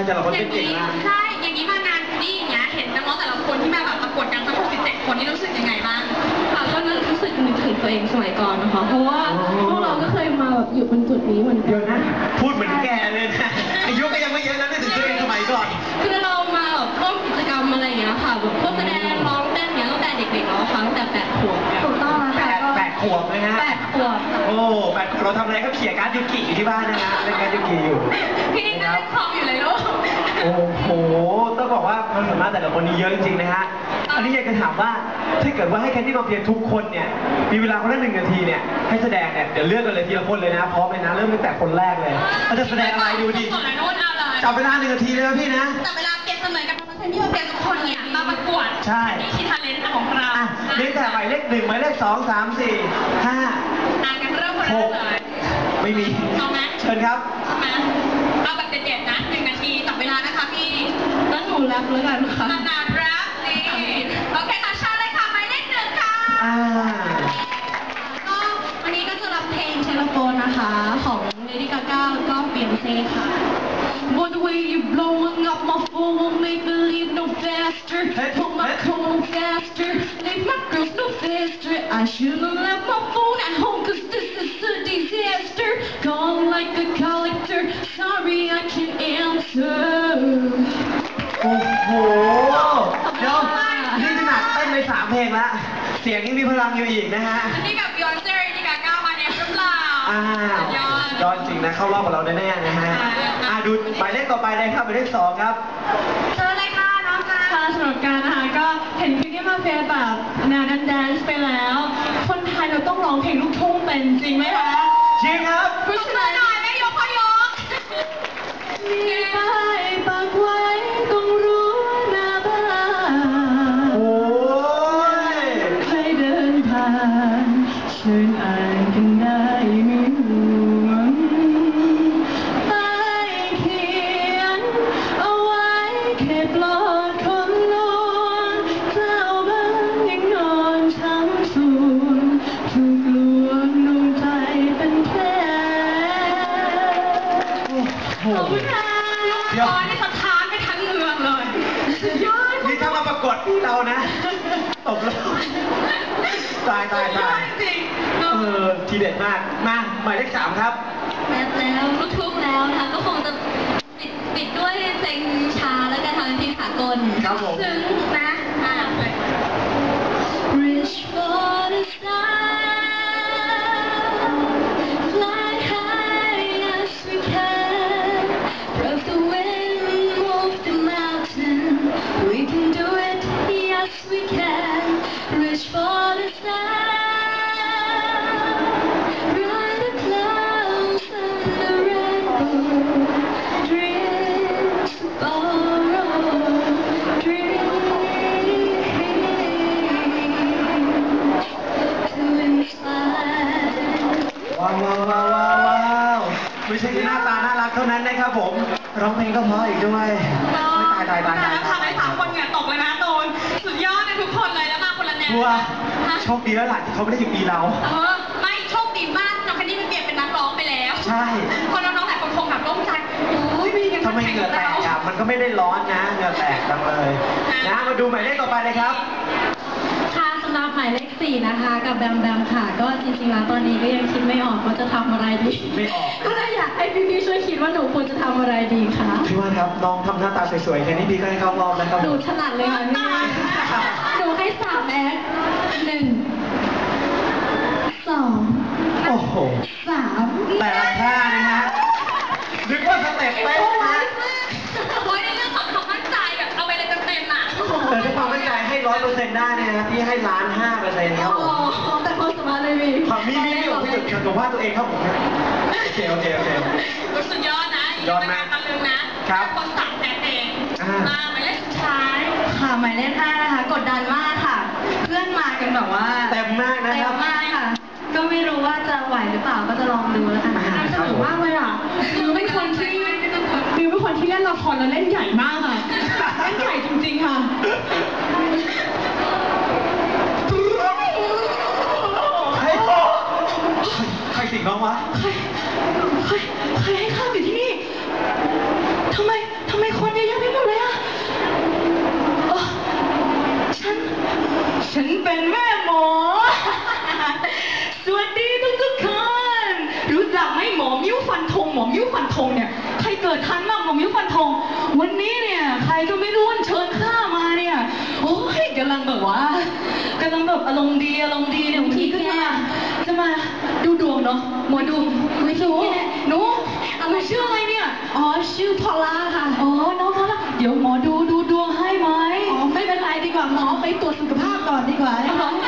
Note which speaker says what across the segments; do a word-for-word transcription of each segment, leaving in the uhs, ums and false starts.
Speaker 1: แต่ละคนเก่งมาก
Speaker 2: ใช่อย่างนี้มางานนี่อย่างเงี้ยเห็นน้องๆแต่ละคนที่มาแบบประกวดกันทั้งหกสิบเจ็ดคนนี่รู้สึกยังไงบ้าง
Speaker 3: ค่ะก็รู้สึกนึกถึงตัวเองสมัยก่อนนะคะเพราะว่าพวกเราก็เคยมาแบบอยู่บนจุดนี้เหมือนกัน
Speaker 1: เดี๋ยวนะพูดเหมือนแกเลยนะอายุก็ยังไม่เยอะนะนึกถึงตัวเองสมัยก่อน
Speaker 3: คือเรามาแบบร่วมกิจกรรมอะไรอย่างเงี้ยค่ะแบบพวกแสดงร้องเต้นเนี้ยตั้งแต่เด็กๆเนาะค่ะตั้งแต่แปดขวบ
Speaker 2: ถูกต้อง
Speaker 1: แปดแปดขวบนะฮะ
Speaker 3: แปดขวบ
Speaker 1: โอ้แปดขวบเราทำอะไรก็เขี่ยการ์ดยูกิอยู่ที่บ้านนะฮะเล่นการ์ดยูกิอยู่
Speaker 2: พี่นี่ก็เล่นคอมอยู่เลยลูก
Speaker 1: โอ้โหต้องบอกว่าความสามารถแต่ละคนนี้เยอะจริงๆนะฮะอันนี้อยากจะถามว่าถ้าเกิดว่าให้แคนดี้มาเพียรทุกคนเนี่ยมีเวลาคนละหนึ่งนาทีเนี่ยให้แสดงเนี่ยเดี๋ยวเลือกกันเลยทีละคนเลยนะพร้อมเลยนะเริ่มตั้งแต่คนแรกเลยเขาจะแสดงอะไรดูดิจับเวลาหนึ่งนาทีเลยนะพี่นะ
Speaker 2: จับเวลาเปรียบเสมือนกับแคนดี้มาเพียรทุกคนเนี่ยมาประกวด
Speaker 1: ใช่
Speaker 2: นี่คือทาเลนต์ของเรา
Speaker 1: เล่นแต่หมายเลขหนึ่งหมายเลขสองสามสี่ห้า
Speaker 2: อ่านกันเริ่มคนแรกเลย
Speaker 1: ไม่มี
Speaker 2: เอาไหม
Speaker 1: เชิญครับ
Speaker 2: มาเอาแบบเด็ดๆนะหนึ่งนาทีจับเวลานะคะพี่
Speaker 3: แล้วหนูแรปแล้วกันค่ะ
Speaker 2: นานๆแรปนี่โอเคค่ะชาเลยค่ะหมายเลขหนึ่งค่ะ
Speaker 3: ก็วันนี้ก็จะรับเพลงเชลโฟนนะคะของเลดี้กาก้าแล้วก็เบียนเซ่ค่ะ But the way you blowing up my phone won't make me leave no faster. Put my phone faster, leave my girls no faster. I should've left my phone at home 'cause this is a disaster. Gone like a collector, sorry I can't answer.
Speaker 1: โอ้โหเดี๋ยวนี่ขนาดเต้นไปสามเพลงแล้วเสียงยังมีพลังอยู่อีกนะฮะ
Speaker 2: นี่กับยอนเซอร์นี่กับก้าวมาเนี่ยหรือเปล่า
Speaker 1: อ้าวยอดจริงนะเข้ารอบกับเราแน่ๆนะฮะอ่าดูหมายเลขต่อไปเลยครับหมายเลขสองครับ
Speaker 2: เชิญเลยค่ะน้องจ้า
Speaker 3: ค่ะสำหรับการนะคะก็เห็นพี่ที่มาเฟียแบบแนวแดนซ์ไปแล้วคนไทยเราต้องร้องเพลงลูกทุ่งเป็นจริงไหมคะ
Speaker 1: จริงครับ
Speaker 2: พูดมาหน่อยแม่ยกพ่อยก
Speaker 3: มีป้ายปักไว้ตรงรั้วหน้าบ้าน
Speaker 1: โอ้ย
Speaker 3: ใครเดินผ่านเชิญอ่านกันได้ไม่ห่วงป้ายเขียนเอาไว้แค่ปลอดคนลวงเจ้าบ้านยังนอนช้ำสูญถูกลวงดวงใจเป็นแผลขอบคุณค่ะ
Speaker 2: เดี๋ยวนี่สะท้านไปทั้งเมืองเลยยอด
Speaker 1: นี่ถ้ามาประกวดพี่เรานะตบแล้วตายตายตาย
Speaker 2: จริง
Speaker 1: เออทีเด็ดมากมาหมายเลขสามครับ
Speaker 3: แม้แล้วลูกทุ่งแล้วนะคะก็คงจะปิดปิดด้วยเพลงช้าแล้วกันทางเพลงสากล
Speaker 1: ครับผม
Speaker 2: ซึ้งนะอ่า
Speaker 3: Reach for the sky fly high as we can break the wind move the mountain we can do it yes we can reach for the sky ride the clouds and the rainbow dreams to borrow dreams to inspire
Speaker 1: ว้าวว้าวว้าวว้าวไม่ใช่แค่หน้าตาน่ารักเท่านั้นนะครับผมร้องเพลงก็เพราะอีกด้วยไม่ตายตายตาย
Speaker 2: แล้วทำให้สามคนเหงื่อตกเลยนะโดนสุดยอดเลยทุกคนเลยแล้วมาคนละแนว
Speaker 1: ชัวโชคดีแล้วล่ะที่เขาไม่ได้อยู่ปีเรา
Speaker 2: เออไม่โชคดีมากน้องแคนดี้มันเปลี่ยนเป็นนักร้องไปแล้ว
Speaker 1: ใช่
Speaker 2: คนน้องๆหลายคนคงแบบโล่งใจโอ้ยมีกัน
Speaker 1: ทำไมเหงื่อแตกอ่ะมันก็ไม่ได้ร้อนนะเหงื่อแตกจังเลยนะมาดูหมายเลขต่อไปเลยครับ
Speaker 3: ค่ะสำหรับหมายเลขสี่นะคะกับแบมแบมค่ะก็จริงๆแล้วตอนนี้ก็ยังคิดไม่ออกว่าจะทำอะไรดี
Speaker 1: ไม่ออก
Speaker 3: ก็เลยอยากให้พี่ๆช่วยคิดว่าหนูควรจะทำอะไรดีคะ
Speaker 1: พี่ว่าครับน้องทำหน้าตาสวยๆแค่นี้พี่ก็ให้เข้ารอบนะครับ
Speaker 3: หนูถนัดเลยค่ะพี่หนูให้สามแอคหนึ่งสอง
Speaker 1: โอ้โห
Speaker 3: สาม
Speaker 1: แต่ละท่านะฮะนึกว่าสเต็ปเต้นนะ
Speaker 2: โอ้ยในเรื่องของความมั่นใจแบบเอาไปเลยเต็มๆอ่ะ
Speaker 1: แต่ถ้าความมั่นใจให้ร้อยเปอร์เซ็นต์ได้เนี่ยนะพี่ให้ล้านห้าเปอร์เซ็นต์ครับผม
Speaker 3: แต่ความสามารถเลยมี
Speaker 1: ความมีมีมีผมจะจะว่าตัวเองครับผมโอเคโอเคโอเค
Speaker 2: สุดยอดนะยอดมากตะลึงนะครับคนสั่งแต่เองมาหมายเลขสุดท้าย
Speaker 3: ค่ะหมายเลขห้านะคะกดดันมากค่ะเพื่อนมากันแบบว่า
Speaker 1: เต็มมากนะครับ
Speaker 3: เต็มมากค่ะก็ไม่รู้ว่าจะไหวหรือเปล่าก็จะลองดูแล้วกันน่าสนุกมากเลยอ่ะมิวเป็นคนที่มิวเป็นคนที่เล่นละครแล้วเล่นใหญ่มากค่ะเล่นใหญ่จริงๆค่ะ
Speaker 1: ใครสิงน้องวะ
Speaker 3: ใครใครใครให้ข้ามอยู่ที่นี่ทำไมทำไมคนเป็นแม่หมอ สวัสดีทุกทุกๆคน รู้จักไหมหมอมิ้วฟันธงหมอมิ้วฟันธงเนี่ยใครเกิดทันบ้างหมอมิ้วฟันธงวันนี้เนี่ยใครก็ไม่รู้เชิญข้ามาเนี่ยโอ้ยกำลังแบบว่ากำลังแบบอารมณ์ดีอารมณ์ดีเนี่ยบางทีก็จะมาจะมาดูดวงเนาะหมอดูไม่รู้หนูหนูชื่ออะไรเนี่ยอ๋อชื่อพอลล่าค่ะอ๋อน้องพอลล่าเดี๋ยวหมอดูดูดวงให้ไหมอ๋อไม่เป็นไรดีกว่าหมอไปตรวจสุขภาพก่อนดีกว่าหมอ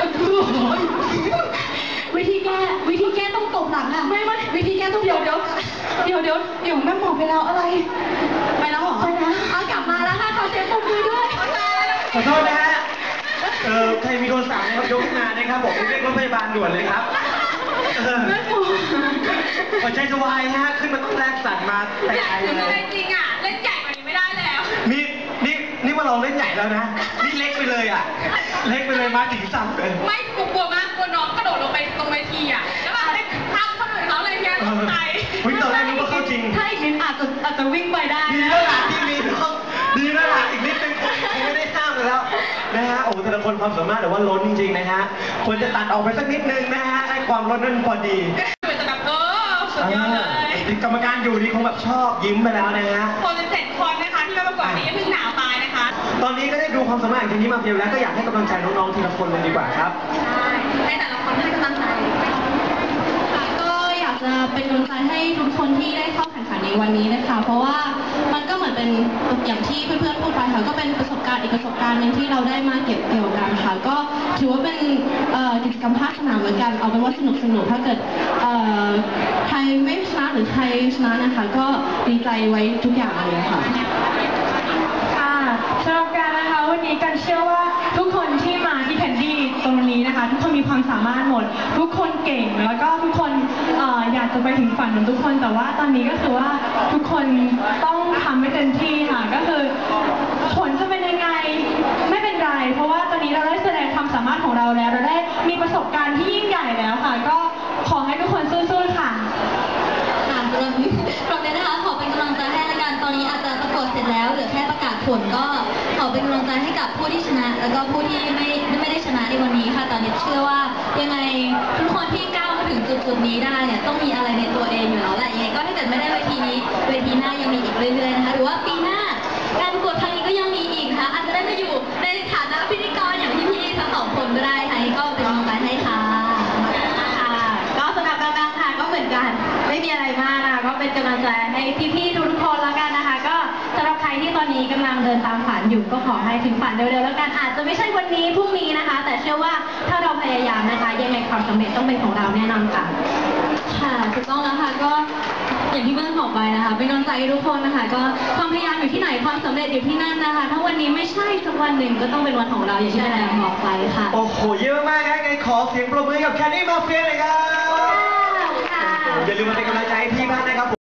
Speaker 3: วิธีแก้วิธีแก้ต้องตบหลังอะไม่ไม่วิธีแก้ต้องเดี๋ยวเดี๋ยวเดี๋ยวเดี๋ยวเดี๋ยวแม่หมอไปแล้วอะไรไปแล้วเหรอไปแล้วเอากลับมาแล้วค่ะขอเสียงปรบมือด้วย
Speaker 1: ขอโทษนะฮะเออใครมีโทรศัพท์นะครับยกขึ้นมานะครับผมเรียกรถพยาบาลด่วนเลยครับ
Speaker 3: แม่หมอ
Speaker 1: หัวใจจะวายฮะขึ้นมาต้องแรกสั่นมาแต่ไกลเลย
Speaker 2: จริงอ่ะเล่นใหญ่กว่านี้ไม่ได้แล้ว
Speaker 1: นี่นี่นี่ว่าเราเล่นใหญ่แล้วนะนี่เล็กไปเลยอ่ะเล็กไปเลยมาถึงสั่นเลย
Speaker 2: ไม่กลัวมากกลัวน้องกระโดดลงไปตรงเวทีอ่ะแล้วแบบได้ข้ามคนอื่นเขาเลยเนี่ยตกใจ
Speaker 1: วิ่งตอนแรกนึกว่าเข้าจริง
Speaker 3: ถ้าอีกนิดอาจจะอาจจะวิ่งไปได้
Speaker 1: ดีแล้วล่ะที่มีน้องดีแล้วล่ะอีกนิดนึงคงไม่ได้ห้ามแล้วนะฮะโอ้แต่ละคนความสามารถแต่ว่าล้นจริงๆนะฮะควรจะตัดออกไปสักนิดนึงนะฮะให้ความล้นนั้นพอดี
Speaker 2: แต่แบบเออสุดยอดเลย
Speaker 1: กรรมการอยู่นี่คงแบบชอบยิ้มไปแล้วนะฮะ
Speaker 2: คนเป็นเจ็ดคนนะคะที่มาประกวดนี้เพิ่งหนาวตายนะคะ
Speaker 1: ตอนนี้ก็ได้ดูความสามารถของทีมนี้มาเพียงแล้วก็อยากให้กำลังใจน้องๆทีละคนเลยดีกว่าครับ
Speaker 2: ใช่ให้แต่ละคนให้กำลังใจ
Speaker 3: ค่ะก็อยากจะเป็นกำลังใจให้ทุกคนที่ได้เข้าแข่งขันในวันนี้นะคะ เพราะว่ามันก็เหมือนเป็นอย่างที่เพื่อนๆพูดไปค่ะก็เป็นประสบการณ์อีกประสบการณ์หนึ่งที่เราได้มาเก็บเกี่ยวกันค่ะก็ถือว่าเป็นเอ่อกิจกรรมภาคสนามเหมือนกันเอาเป็นว่าสนุกสนุกถ้าเกิดเอ่อใครไม่ชนะหรือใครชนะนะคะ ก็ดีใจไว้ทุกอย่างเลยค่ะ
Speaker 4: ค่ะสำหรับการนะคะวันนี้กันเชื่อว่าทุกคนที่มาที่แคนดี้ตรงนี้นะคะ ทุกคนมีความสามารถหมด ทุกคนเก่งแล้วก็ทุกคนเอ่ออยากจะไปถึงฝันของทุกคนแต่ว่าตอนนี้ก็คือว่าทุกคนต้องทำให้เต็มที่ค่ะก็คือผลจะเป็นยังไงไม่เป็นไร เพราะว่าตอนนี้เราได้แสดงความสามารถของเราแล้วเราได้มีประสบการณ์ที่ยิ่งใหญ่แล้วค่ะ ก็ขอให้ทุกคนสู้ๆค่ะ
Speaker 5: ค่ะสำหรับสำหรับเนี้นะคะขอเป็นกำลังใจให้ละกันตอนนี้อาจจะประกวดเสร็จแล้วเหลือแค่ประกาศผลก็ขอเป็นกำลังใจให้กับผู้ที่ชนะ แล้วก็ผู้ที่ไม่ไม่ได้ชนะในวันนี้ค่ะตอนนี้เชื่อว่ายังไงทุกคนที่ก้าวมาถึงจุดจุดนี้ได้เนี่ยต้องมีอะไรในตัวเองอยู่แล้วแหละยังไงก็ถ้าเกิดไม่ได้เวทีนี้เวทีหน้ายังมีอีกเรื่อยๆนะคะหรือว่าปีหน้าการประกวดครั้งนี้ก็ยังมีอีกค่ะอาจจะได้มาอยู่ในฐานะพิธีกรอย่างพี่ๆทั้งสองคนก็ได้ค่ะก็เป็นกำลังใจให้ค่ะ
Speaker 3: ค่ะก็สำหรับดังๆค่ะก็เหมือนกันไม่มีอะไรมากนะคะก็เป็นกำลังใจให้พี่ๆทุกๆคนแล้วกันนะคะ ก็สำหรับใครที่ตอนนี้กำลังเดินตามฝันอยู่ก็ขอให้ถึงฝันเร็วๆแล้วกันอาจจะไม่ใช่วันนี้พรุ่งนี้นะคะ แต่เชื่อว่าถ้าเราพยายามนะคะยังไงความสำเร็จต้องเป็นของเราแน่นอนค่ะ
Speaker 5: ค่ะถูกต้องแล้วค่ะก็อย่างที่เพื่อนบอกไปนะคะเป็นกำลังใจให้ทุกคนนะคะก็ความพยายามอยู่ที่ไหนความสำเร็จอยู่ที่นั่นนะคะถ้าวันนี้ไม่ใช่สักวันหนึ่งก็ต้องเป็นวันของเราอย่างที่แม่บอกไปค่ะ
Speaker 1: โอ้โหเยอะมากนะไงขอเสียงปรบมือกับแคนดี้มาเฟียเลยครับ
Speaker 5: ค่ะ
Speaker 1: อย่าลืมมาเป็นกำลังใจให้พี่บ้างนะครับ